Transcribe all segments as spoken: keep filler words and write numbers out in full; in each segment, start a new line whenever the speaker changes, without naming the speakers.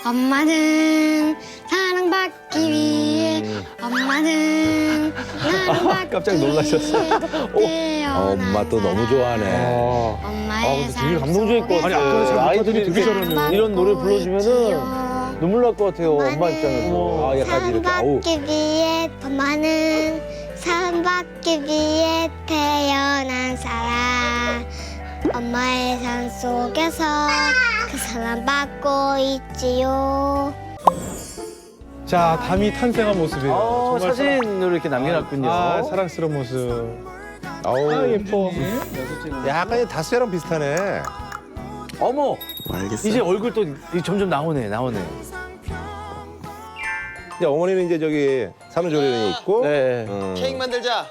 엄마는 사랑받기 위해 엄마는 나를 받기
깜짝 놀라셨어.
위해
어, 엄마 또 너무 좋아하네.
엄마의
되게 감동적일 것 같아.
아니, 아까 저
아이들이
되게
이렇게
잘하네요.
이런 노래 불러주면은 눈물 날 것 같아요. 엄마 입장에서.
아, 약간 이렇게, 아우.
사랑받기 위해 엄마는 사랑받기 위해 태어난 사람 엄마의 삶 속에서 그 사랑 받고 있지요.
자, 담이 탄생한 모습이에요.
어,
정말
사진으로 이렇게 남겨놨군요.
아, 사랑스러운 모습.
아우.
아, 예뻐.
약간 다스랑 비슷하네.
어머,
알겠어.
이제 얼굴 또 점점 나오네, 나오네.
이제 어머니는 이제 저기 산후조리원에 있고.
네.
음.
케이크 만들자.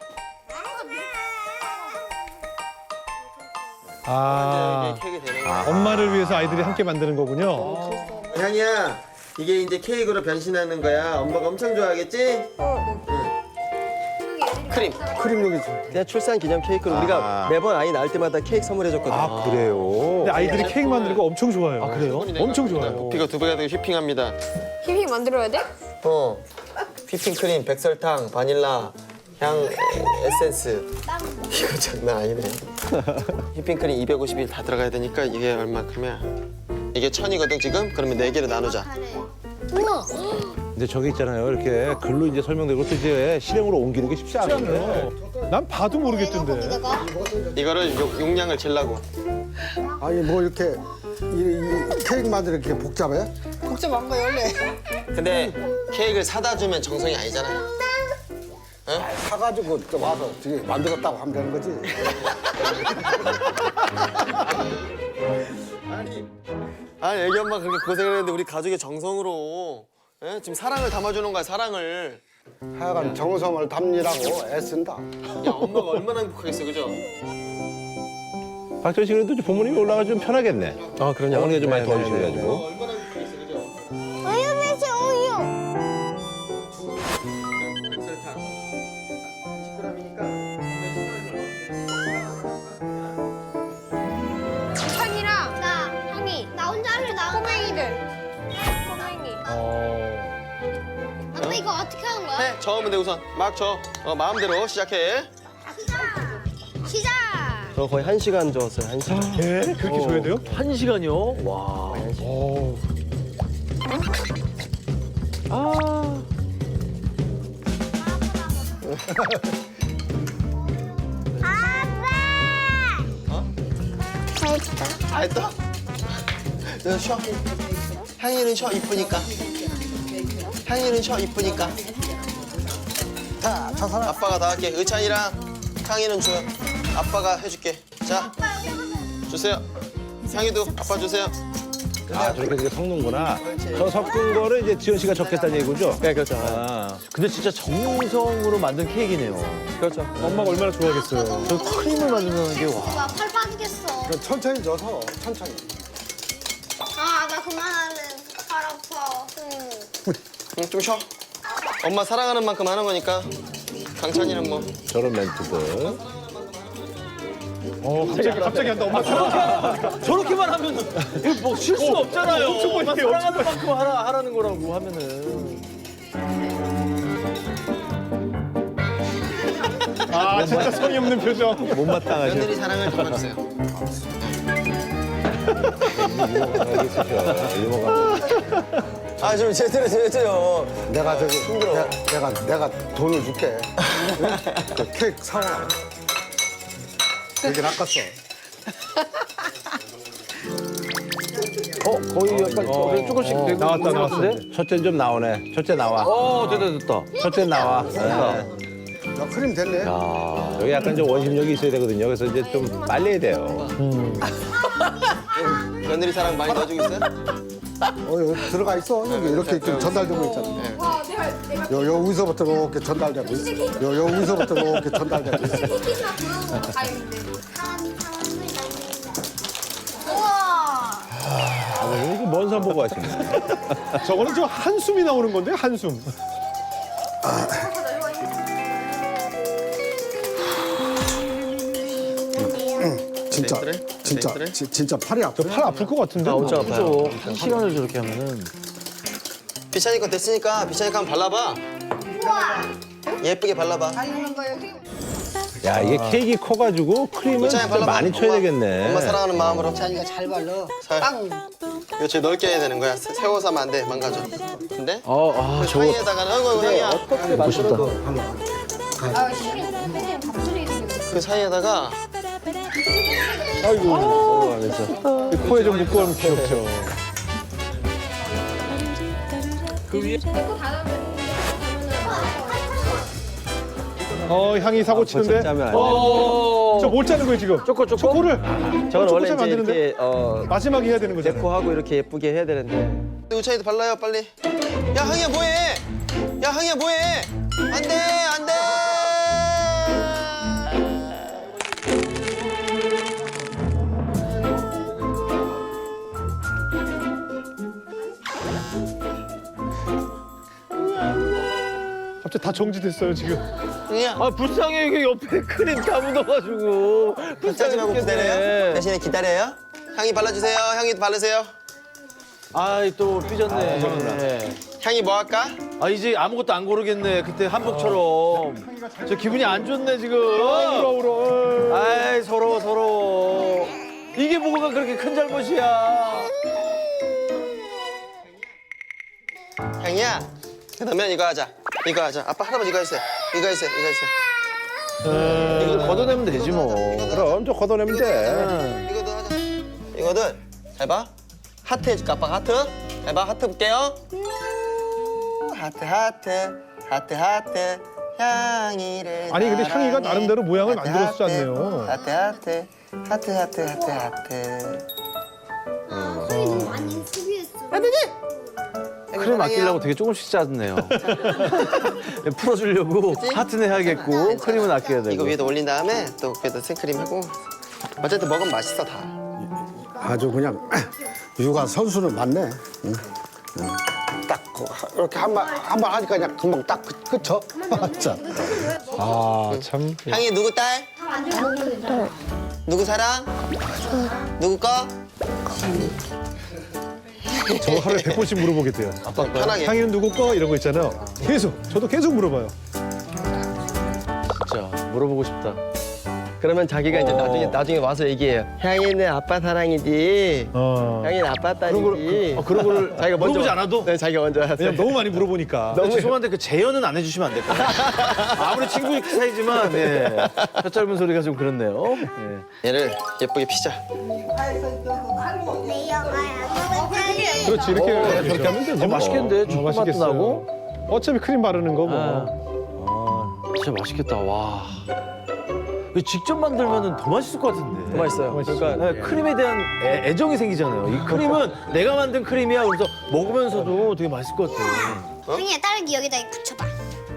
아,
이게 케이크 되는
아.
거야.
엄마를 위해서 아이들이 함께 만드는 거군요.
향이야, 이게 이제 케이크로 변신하는 거야. 엄마가 엄청 좋아하겠지? 응. 크림.
크림 여기 있어. 내가 출산 기념 케이크를
아.
우리가 매번 아이 낳을 때마다 케이크 선물해줬거든.
아, 그래요?
근데 아이들이 케이크 만드는 거 엄청 좋아해요.
아, 그래요?
엄청 좋아해요.
부피가 두 배가 되고 휘핑합니다.
휘핑 만들어야 돼?
어. 휘핑크림, 백설탕, 바닐라, 향 에, 에센스. 이거 장난 아니네. 휘핑크림 이백오십 일 다 들어가야 되니까 이게 얼마큼이야? 이게 천이거든 지금? 그러면 네 개를 나누자.
우와.
근데 저게 있잖아요. 이렇게 글로 이제 설명되고 또 이제 실행으로 옮기는 게 쉽지 않아요.
난 봐도 모르겠던데.
이거를 용- 용량을 잴라고.
아니 뭐 이렇게 이, 이 케이크 만드는 게 복잡해?
복잡한 거 원래.
근데 케이크를 사다 주면 정성이 아니잖아요.
사가지고 또 와서 저기 만들었다고 하면 되는 거지.
아니, 아니 애기 엄마 그렇게 고생을 했는데 우리 가족의 정성으로 예? 지금 사랑을 담아주는 거야 사랑을.
하여간 정성을 담느라고 애쓴다.
야 엄마가 얼마나 행복하겠어 그죠?
박철 씨 그래도 좀 부모님이 올라가 좀 편하겠네.
아, 그러냐?
어머니가 좀 많이
네,
도와주시고
네, 네.
가지고.
얼마나 행복하겠어 그죠?
우유 매실 우유.
백설탕 이십 그램이니까
찬이랑
나
형이
나 혼자 할래 나.
꼬맹이들. 꼬맹이.
아빠 이거 어떻게 하는 거야?
해 저으면 돼 우선 막 저. 어, 마음대로 시작해.
시작.
저 거의 한 시간 저었어요, 한 시간.
예? 그렇게 줘야 돼요?
한 시간이요? 와.
오.
잘했다.
다 했다? 너 쉬어. 향이는 쉬어 이쁘니까. 향이는 쉬어 이쁘니까.
자, 저 사람
아빠가 다 할게. 의찬이랑 향이는 줘요. 아빠가 해줄게. 자, 주세요. 향이도 아빠 주세요.
아, 저렇게 이렇게 섞는구나. 저 섞은 거를 이제 지현 씨가 적겠다는 얘기죠?
네, 그렇죠.
아,
근데 진짜 정성으로 만든 케이크네요.
그렇죠.
엄마가 얼마나 좋아하겠어요.
저 크림을 만든다는 게 와.
와, 팔 빠지겠어.
천천히 져서 천천히.
아, 나 그만할래. 팔 아파. 응.
응, 좀 쉬어. 엄마 사랑하는 만큼 하는 거니까. 강찬이는 뭐.
저런 멘트들.
어, 갑자기, 갑자기 한다. 엄마 사랑.
저렇게만 하면은 이거 뭐 실수가 없잖아요.
엄청
엄마
멋있게, 엄청
사랑하는 만큼 하라, 하라는 거라고 하면은.
아, 진짜 성의 없는 표정.
못마땅하셔.
며느리 사랑을 담아주세요.
유머가 있으셔. 유머가.
아, 좀 제대로 제대로.
내가 저기 내가, 내가 내가 돈을 줄게. 그 케이크 사와. 되게 낚았어.
어, 거의 약간
어, 조금씩
어,
되고
나왔다,
있는 것
나왔어.
같은데?
첫째 좀 나오네. 첫째 나와.
어, 됐다, 됐다.
첫째 나와. 네.
야, 크림 됐네.
야.
여기 약간 좀 원심력이 있어야 되거든요. 그래서 이제 좀 빨리 해야 돼요.
며느리 사랑 많이 넣어주고 있어요?
어, 여기 들어가 있어. 여기 이렇게 좀 전달되고 있잖아.
와, 내가 내가
요, 요 위서부터 이렇게 전달되고 있어. 요, 요 위서부터 이렇게 전달되고 있어.
티켓이나 들어오는 거 다행인데.
우와.
아, 이렇게 먼 산 보고 하시네.
저거는 저 한숨이 나오는 건데, 한숨.
진짜
그래?
진짜
그래?
지- 진짜 팔이 아프네.
팔 아플 것 같은데.
나 엄청 아파요. 한 시간을 저렇게 하면은.
비찬이 거 됐으니까 비찬이 거 한번 발라봐. 예쁘게 발라봐.
야 이게 케이크 커가지고 크림은
비찬이
진짜
발라봐.
많이 쳐야
엄마,
되겠네.
엄마 사랑하는 마음으로.
자기가 잘 발라.
살. 이거 제일 넓게 해야 되는 거야. 세- 세워서 하면 안 돼. 망가져. 근데
어, 아,
그
저거
사이에다가는 아이고 아이고 향이야.
어떻게 만들어도.
아, 시린 선생님 밥술이
그 사이에다가
아이고, 안 했어.
코에 좀 묶고 하면 귀엽죠.
고 닫아면
어 향이 사고 치는데.
짜면 안 돼.
어. 저뭘 짜는 거예요 지금?
초코, 초코?
초코를.
저는 원래
초코 짜면 안
이제
되는데.
이렇게 어,
마지막에 해야 되는 거잖아요.
데코하고 이렇게 예쁘게 해야 되는데.
우찬이도 발라요 빨리. 야 항이야 뭐해? 야 항이야 뭐해? 안돼 안돼.
갑자기 다 정지됐어요 지금.
항이야.
아, 불쌍해. 이게 옆에 크림 다 묻어가지고.
짜지 말고 기다려요. 대신에 기다려요. 향이 발라주세요. 향이 바르세요.
아이, 또 삐졌네.
향이 뭐 할까?
아, 이제 아무것도 안 고르겠네. 그때 한복처럼. 저 기분이 안 좋네, 지금.
울어 울어.
아이, 서러워, 서러워. 이게 뭐가 그렇게 큰 잘못이야.
향이야. 그러면 이거 하자. 이거 하자. 아빠 할아버지 이거 했어요. 이거 했어요. 이거 했어요.
이거 걷어내면 되지, 뭐.
그럼 저 걷어내면 돼.
이거도 하자. 이거는 잘 봐. 하트 해줄까? 아빠가 하트. 잘 봐. 하트 볼게요. 하트 하트 하트 하트 향이를.
아니, 근데 향이가
사랑해.
나름대로 모양을
하트,
만들었지
하트,
않네요.
하트 하트 하트 하트 하트 하트.
너무 많이 소비했어.
크림 아끼려고 되게 조금씩 짰네요. 풀어주려고 하트는 해야겠고 크림은 아껴야 되고.
이거 위에다 올린 다음에 또 위에다 생크림 하고. 어쨌든 먹으면 맛있어 다.
아주 그냥 육아 선수는 맞네. 응. 응. 딱 그, 이렇게 한번 한 번 하니까 그냥 금방 딱 그- 그쳐. 진짜.
아 참.
향이 누구 딸? 누구 사랑? 누구 거?
저 하루에 백 번씩 물어보겠대요.
아빠 편하게.
향이는 누구 거? 이런 거 있잖아요. 계속 저도 계속 물어봐요.
진짜 물어보고 싶다.
그러면 자기가 이제
어.
나중에 나중에 와서 얘기해요. 향이는 아빠 사랑이지.
어.
향이는 아빠 딸이지.
어, 그런 거를
자기가 먼저
물어보지 않아도?
네, 자기가 먼저 하세요.
왜냐면 너무 많이 물어보니까.
너무 죄송한데 그 재현은 안 해주시면 안 될까요? 아무리 친구 사이지만 예. 혀 짧은 소리가 좀 그렇네요. 예.
얘를 예쁘게 피자.
내 영화야.
그렇지 이렇게
어,
저렇게 하면 되지.
어, 맛있겠는데? 초코 맛도
맛있겠어요.
나고.
어차피 크림 바르는 거 뭐.
아, 진짜 맛있겠다. 와. 이거 직접 만들면 더 맛있을 것 같은데.
더 맛있어요.
맛있어요.
그러니까
네, 크림에 대한 애, 애정이 생기잖아요. 이 크림은 내가 만든 크림이야. 그래서 먹으면서도 되게 맛있을 것 같아요.
형이야 딸기 여기다 붙여봐.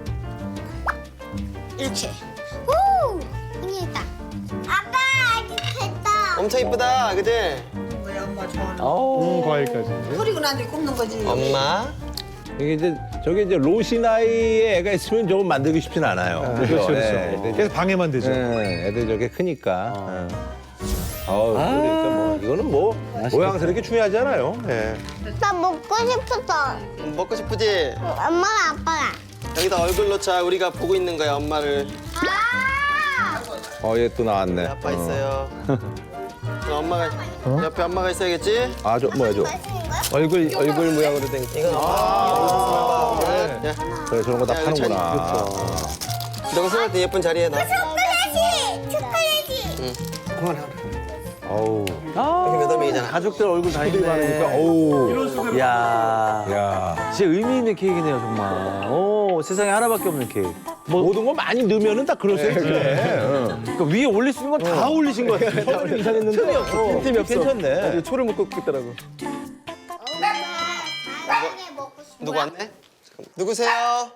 이렇게. 오, 형이 했다. 아빠 아기 됐다.
엄청 이쁘다, 그지?
뭐야 엄마 좋아하는.
아우.
음, 과일까지.
그리고 나한테 굽는 거지.
엄마.
이게 이제 저게 이제 로시 나이에 애가 있으면 저건 만들기 쉽진 않아요.
그렇죠, 그렇죠.
네,
계속 방해만 되죠.
네, 애들 저게 크니까. 어. 아우, 그러니까 뭐 이거는 뭐 모양스럽게 중요하지 않아요. 예.
나 먹고 싶었어.
음, 먹고 싶으지?
엄마랑 아빠랑.
여기다 얼굴 넣자. 우리가 보고 있는 거야, 엄마를.
아!
어, 얘 또 나왔네.
아빠
어.
있어요. 그럼 엄마가 옆에 엄마가 있어야겠지?
아, 저 뭐야, 저.
맛있는 거야?
얼굴 얼굴 모양으로 된.
이건 아, 야,
그래, 저런 거 다
야, 이거 잘
파는구나.
너가 생각할 때 예쁜 자리에 놔.
초콜릿이. 초콜릿이.
어우,
이렇게 몇 명이잖아.
가족들 얼굴 다 있네.
그러니까, 어우.
야.
야.
진짜 의미 있는 케이크네요, 정말. 오, 세상에 하나밖에 없는 케이크. 뭐,
모든 거 많이 넣으면은 다 그럴 수 있지. 응.
그러니까 위에 올릴 수 있는 건 다 올리신 것 같아요.
처음에 이상했는데.
틈이 없어.
틈이 없어.
괜찮네.
초를 묶고 있더라고.
사랑해 먹고 싶어.
누구 왔네? 잠깐만. 누구세요?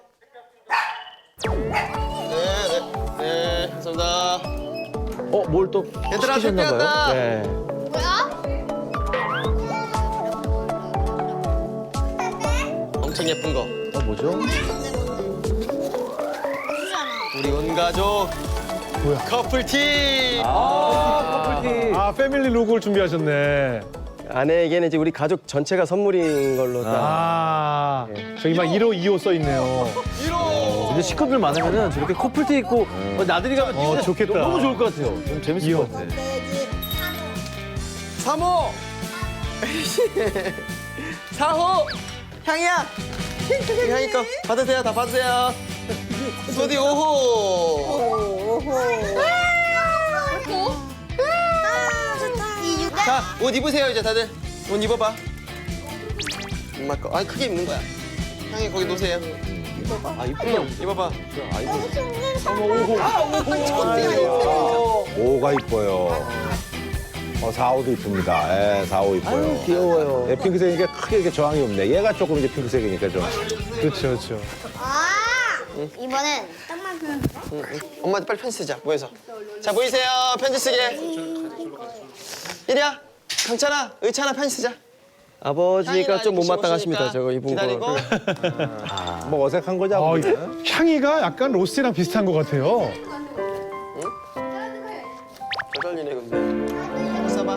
네, 네, 네, 감사합니다.
어, 뭘 또
얘들아,
시키셨나
택배 왔다.
봐요. 네.
뭐야?
엄청 예쁜 거.
어, 뭐죠?
우리 온 가족
커플티.
아 패밀리 룩을 준비하셨네.
아내에게는 이제 우리 가족 전체가 선물인 걸로 딱.
아 저기 막 일 호, 이 호 써 있네요.
근데 식구들 많으면은 저렇게 커플티 입고 어, 나들이 가면
어,
진짜
좋겠다.
너무 좋을 것 같아요. 좀 재밌을
이호.
것 같아.
삼 호. 사 호. 향이야. 향이 거 받으세요. 다 받으세요. 소디 오 호. 자, 옷 입으세요 이제 다들. 옷 입어봐. 엄마 거. 아니 크게 입는 거야. 향이 거기 놓으세요.
아 이쁘다.
입어봐.
오가 이뻐요. 어, 사 호도 이쁩니다. 예, 사 호 이뻐요.
아유, 귀여워요.
예, 핑크색이니까 크게 이렇게 저항이 없네. 얘가 조금 이제 핑크색이니까 좀.
그렇죠, 그렇죠.
아, 이번엔 딱만
엄마한테 빨리 편지 쓰자. 모여서. 자 모이세요. 편지 쓰게. 이리야. 강찬아, 의찬아 편지 쓰자.
아버지가 좀
향이가
못마땅하십니다.
오시니까
저거 입은
기다리고.
거.
뭐 어색한 거죠?
아,
아버지는?
향이가 약간 로스랑 비슷한 것 같아요.
저절리네 근데. 써봐.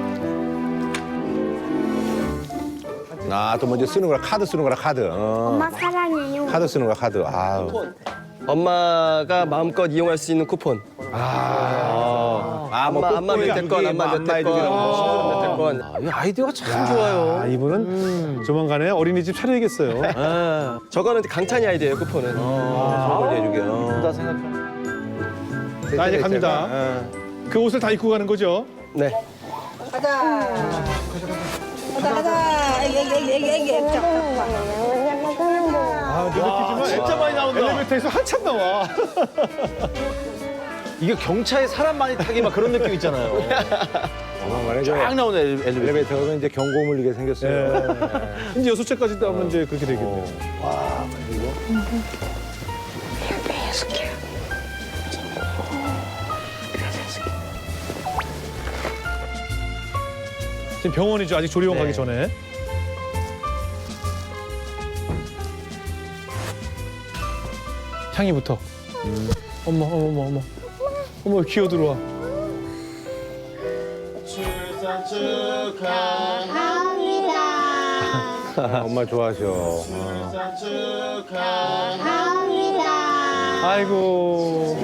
아, 또 먼저 쓰는 거라 카드 쓰는 거라 카드. 어.
엄마 사랑해요.
카드 쓰는 거라 카드. 아우.
엄마가 마음껏 이용할 수 있는 쿠폰.
아, 뭐
엄마 안마 몇 대건, 안마 몇 대건, 친구들 몇 대건.
아, 이 아이디어가 참
아,
좋아요.
이분은 조만간에 어린이집 차려야겠어요.
아,
저거는 강찬이 아이디어예요, 쿠폰은.
선물 해주게. 어.
다 생각해.
자, 이제 갑니다.
어.
그 옷을 다 입고 가는 거죠?
네.
가자. 가자 가자. 애기 애기 애기 애기 애기. 자, 자,
아, 눈에 띄지만
진짜 많이 나온다.
엘리베이터에서 한참 나와.
이게 경차에 사람 많이 타기 막 그런 느낌 있잖아요.
조만간에 저
쫙 나오네 엘리- 엘리베이터.
엘리베이터 가면 이제 경고 울리게 생겼어요.
예. 이제 여섯 채까지 따면 이제 그렇게 되겠네요. 지금 병원이죠. 아직 조리원 가기 전에. 향이부터. 어머, 어머, 어머, 어머. 어머, 기어 들어와.
아, 엄마 좋아하셔.
아이고.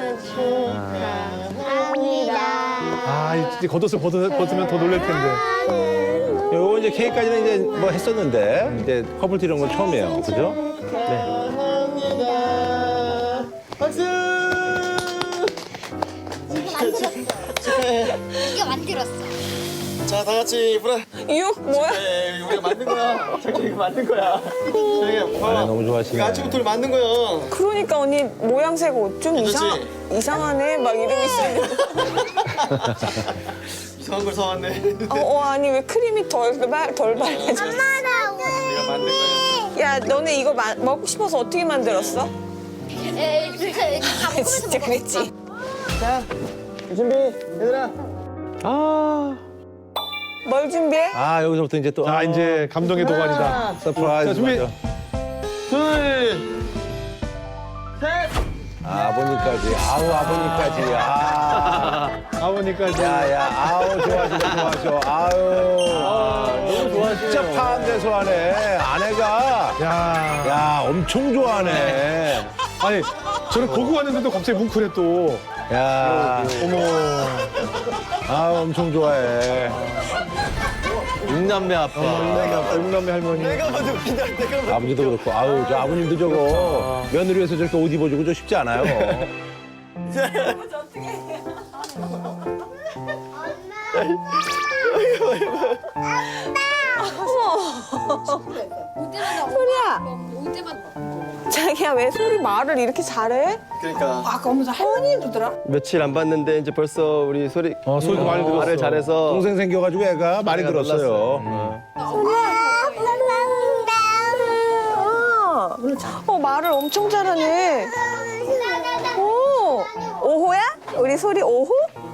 아, 이제 겉옷을 벗어, 벗으면 더 놀랄 텐데.
요거 이제 케이크까지는 이제 뭐 했었는데 이제 커플티 이런 건 처음이에요. 그죠?
이게 만들었어.
자 다 같이 불어.
이거 뭐야?
네, 우리가 만든 거야. 자기 이거 만든 거야. 자기가
아,
봐봐.
너무 좋아하시네.
이거 아침부터 만든 거야.
그러니까 언니 모양새가 좀 이상 이상하네. 막 이러고 있으면
이상한 걸 사왔네.
어, 어 아니 왜 크림이 덜덜 발라져?
엄마라고.
내가 만든 거야.
야 너네 이거 마, 먹고 싶어서 어떻게 만들었어?
에, 진짜 이렇게
아,
감으면서
진짜
먹었어.
그랬지.
자 준비 얘들아.
아,
뭘 준비해?
아, 여기서부터 이제 또
자, 이제 감동의 도가니다.
서프라이즈.
자, 준비.
맞아.
둘. 셋.
아, 아버님까지. 아우, 아버님까지. 아.
아버님까지.
야, 야, 아우, 좋아하시네, 좋아하셔. 아유.
너무 좋아하시네요.
진짜 파한대소 하네. 아내가.
야.
야, 엄청 좋아하네.
아니, 저는 보고 왔는데도 갑자기 뭉클해 또.
야,
어머.
아, 엄청 좋아해.
육남매 아빠.
육남매 할머니.
내가 먼저 웃긴다. 내가 먼저.
아버지도 그렇고, 아우, 저 아버님도 저거 며느리에서 저렇게 옷 입어주고 저 쉽지 않아요.
소리야. 자기야 왜 소리 말을 이렇게 잘해?
그러니까.
아까 오면서 할머니 해주더라.
며칠 안 봤는데 이제 벌써 우리 소리
어, 소리도 많이 들었어.
말을 잘해서
동생 생겨가지고 애가 많이
애가
들었어요.
놀랐어요.
어, 어 말을 엄청 잘하네. 오, 오호야? 우리 소리 오호?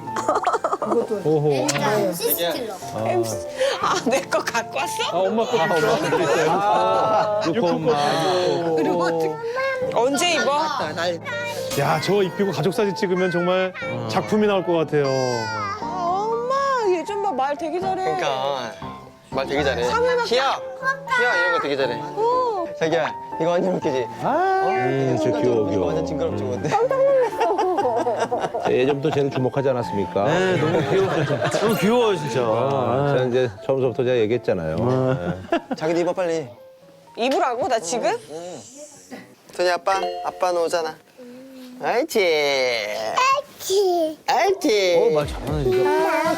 오호.
시스틸러.
아, 내 거 갖고 왔어?
아, 엄마 거. 아, 엄마 거 있어요.
아, 육호 엄마.
그리고 어떻게? 언제 입어?
야, 저 입히고 가족 사진 찍으면 정말 작품이 나올 것 같아요.
아, 엄마 얘 좀 봐 말 되게 잘해.
그러니까 말 되게 잘해.
상을
희야, 희야 이런 거 되게 잘해.
어.
자기야 이거 완전 웃기지?
음, 저 귀여워,
이거
귀여워.
완전 징그럽지 뭔데?
예전부터 쟤는 주목하지 않았습니까?
네, 너무 귀여워. 너무 귀여워요, 진짜.
아, 제가 이제 처음부터 제가 얘기했잖아요. 네.
자기도 입어 빨리.
입으라고 나 지금?
선이 아빠, 아빠는 오잖아. 알지?
키.
알지?
어, 말 잘하네, 진짜.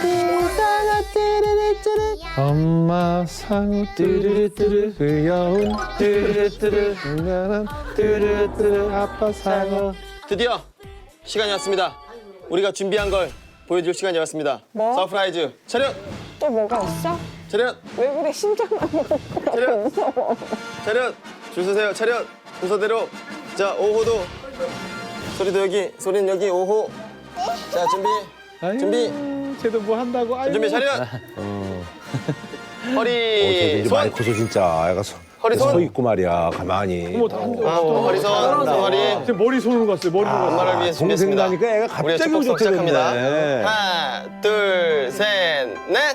엄마 상어 뚜르르뚜르 귀여운 뚜르르뚜르 은연한 뚜르르뚜르 아빠 상어.
드디어 시간이 왔습니다. 우리가 준비한 걸 보여줄 시간이 왔습니다.
뭐?
서프라이즈 차렷!
또 뭐가 있어?
차렷!
왜 그래 심장만 먹고
차렷!
무서워.
차렷! 줄 서세요. 차렷! 순서대로. 자, 오 호도. 소리도 여기, 소리는 여기, 오 호. 자, 준비.
아유,
준비.
쟤도 뭐 한다고. 아유.
준비 차렷!
어,
허리,
쟤 이제 많이
손!
커서 진짜 애가 서,
허리 손!
서 있고 말이야, 가만히.
어머, 다 한다.
아, 허리 손, 허리.
쟤 머리 손으로 갔어요. 머리로 갔어요.
엄마를 위해
동생
준비했습니다.
나니까 애가
우리가
갑자기
축복
좋게
시작합니다.
됐네.
하나, 둘, 셋, 넷!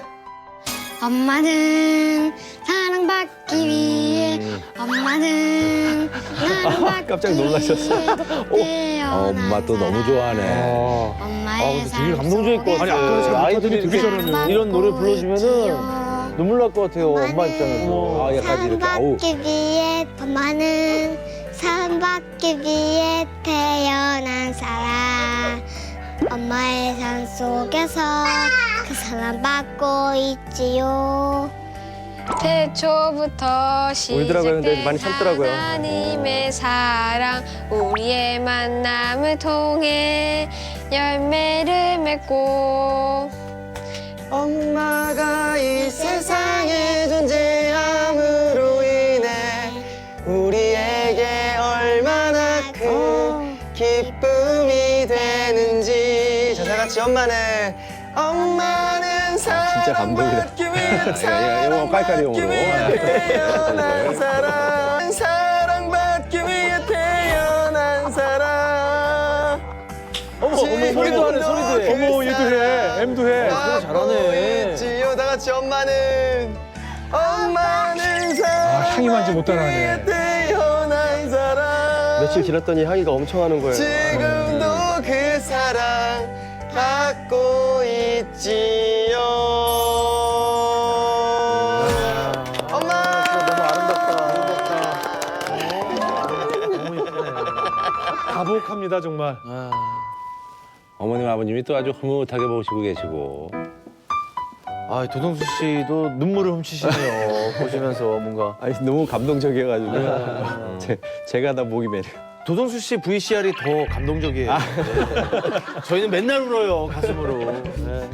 엄마는 사랑받기 위해 엄마는 사랑받기
깜짝 놀라셨어.
위해
어, 엄마 또 너무 좋아하네.
어.
엄마의
근데 되게 감동적일 것
아니,
같아요.
아까는 잘
아이들이
못하더니 되게
이렇게
잘하네.
이런 노래 불러주면은 눈물 날 것 같아요, 엄마 입장에서.
아, 약간 이렇게, 아우.
사랑받기 위해 엄마는 사랑받기 위해 태어난 사람 엄마의 산 속에서 그 사랑 받고 있지요.
태초부터
울더라고요. 근데
시작된
많이 참더라고요.
하나님의 사랑 우리의 만남을 통해 열매를 맺고
엄마가 이 세상에 존재함으로 인해 우리에게 얼마나 큰 기쁨이 되는지. 자, 다 같이 엄마는 엄마는
진짜 감동이다.
사랑받기 위해
야, 야, 영어 깔깔이 영어로.
사랑받기 위해 태어난 사람 사랑받기 위해 태어난 사람.
어머, 어머, 소리도 하네, 소리도 해.
어머, 얘도 해. M도 해.
소리 잘하네.
지요 다 같이 엄마는 엄마는 사랑.
아, 향이만지 못 따라하네.
태어난 사람.
며칠 지났더니 향이가 엄청 하는 거예요.
지금도 그 사랑 갖고 있지요. 엄마.
너무 아름답다. 너무 예쁘네.
가복합니다, 정말.
아.
어머님, 아버님이 또 아주 흐뭇하게 보시고 계시고.
아, 도동수 씨도 눈물을 훔치시네요. 보시면서 뭔가.
아니 너무 감동적이어가지고 제, 제가 다 목이 메려.
도동수 씨 브이씨알이 더 감동적이에요. 네. 저희는 맨날 울어요, 가슴으로. 네.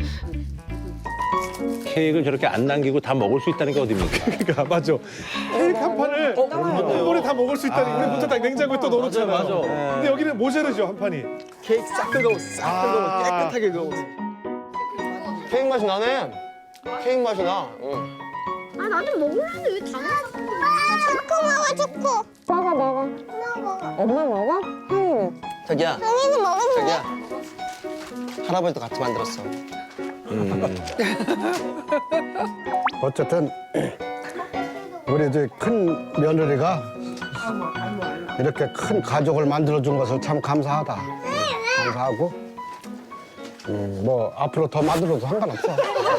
케이크를 저렇게 안 남기고 다 먹을 수 있다는 게 어딥니까?
그러니까 맞아. 케이크 한 판을 한 번에 다 먹을 수 있다니. 우리 보통 딱 냉장고에 또 넣어놓잖아요.
맞아, 맞아.
근데 여기는 모자르죠, 한 판이.
케이크 싹 긁어, 싹 긁어, 깨끗하게 긁어.
케이크 맛이 나네. 케이크 맛이 나. 응.
아 나도 먹으려는데 왜 다 먹어? 초코 먹어 초코.
먹어 먹어.
엄마 먹어.
엄마 먹어? 향이는?
자기야,
언니도 먹으면
자기야. 할아버지도 같이 만들었어.
어쨌든 우리 이제 큰 며느리가 이렇게 큰 가족을 만들어준 것을 참 감사하다. 감사하고 음, 뭐 앞으로 더 만들어도 상관없어.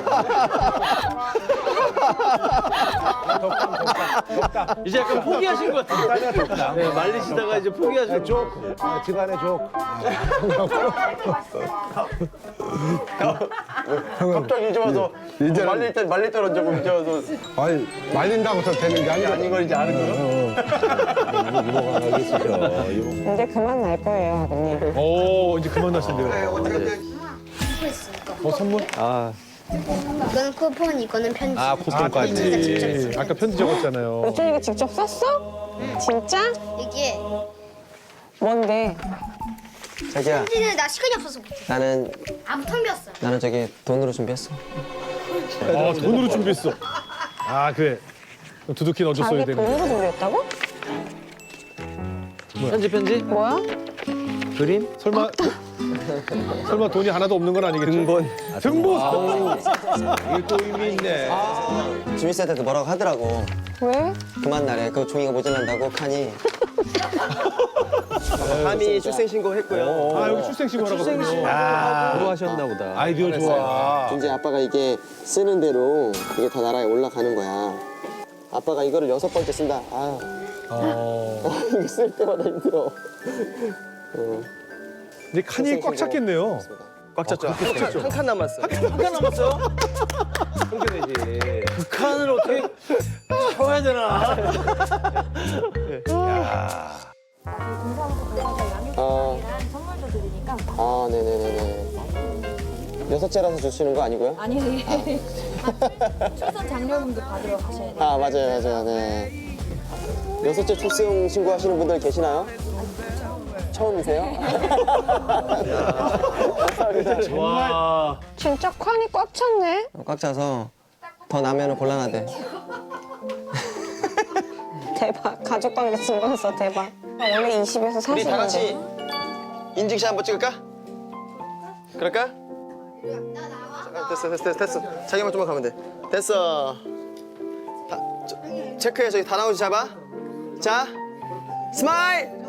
이제 약간 포기하신 것 같아요. 네, 말리시다가 이제 포기하신 것
족, 아, 집안의 족.
갑자기 이제 와서
이제는-
말릴 때 말릴 때 얹고 이제 와서
아니 말린다고 해서 되는 게 아니야.
아닌 걸 이제 아는 거야?
이모가 가겠으죠. 이모.
이제 그만 날 거예요, 아버님.
오, 이제 그만 나신대요. 어, 선물?
아
이거는 쿠폰, 이거는 편지.
아, 쿠폰까지.
예, 아까 편지 적었잖아요.
여준이가 직접 썼어? 진짜?
이게
뭔데?
자기야,
편지는 나 시간이 없어서 못해.
나는
아무 텅 비었어.
나는 저기 돈으로 준비했어.
아, 돈으로 준비했어. 아, 그래. 그럼 두둑히 넣어줬어야
자기
되는데.
돈으로 준비했다고?
편지 편지?
뭐야?
그림?
설마 설마 돈이 하나도 없는 건 아니겠죠?
등본.
등본.
이게 또 의미 있네.
주민센터에서 뭐라고 하더라고.
왜?
그만 날에 그 종이가 모자란다고 칸이.
감히 출생신고 했고요.
아 여기 출생신고라고 하거든요.
아,
공부하셨나 보다.
아이디어 좋아.
이제 아빠가 이게 쓰는 대로 이게 다 나라에 올라가는 거야. 아빠가 이거를 여섯 번째 쓴다. 아, 이거 쓸 때마다 힘들어.
근데 칸이 꽉 찼겠네요.
꽉 찼죠.
한 칸 남았어.
한칸 남았어요? 그렇게 되지. 그 칸을 어떻게 채워야 되나?
아, 아, 네네네네. 여섯째라서 주시는 거 아니고요?
아니, 출산 장려금도 받으러 가셔야 돼요.
아, 맞아요, 맞아요, 네. 여섯째 출생 신고하시는 분들 계시나요? 처음이세요?
와.
진짜 칸이 꽉 찼네.
꽉 차서 더 나면 곤란하대.
대박. 가족 관계 증명서 대박. 원래 이십에서
우리
사십인데.
다 같이 인증샷 한번 찍을까? 그럴까? 잠깐, 됐어, 됐어, 됐어, 됐어. 자기만 좀만 가면 돼. 됐어. 다, 저, 체크해, 저기 다 나오지 잡아. 자, 스마일!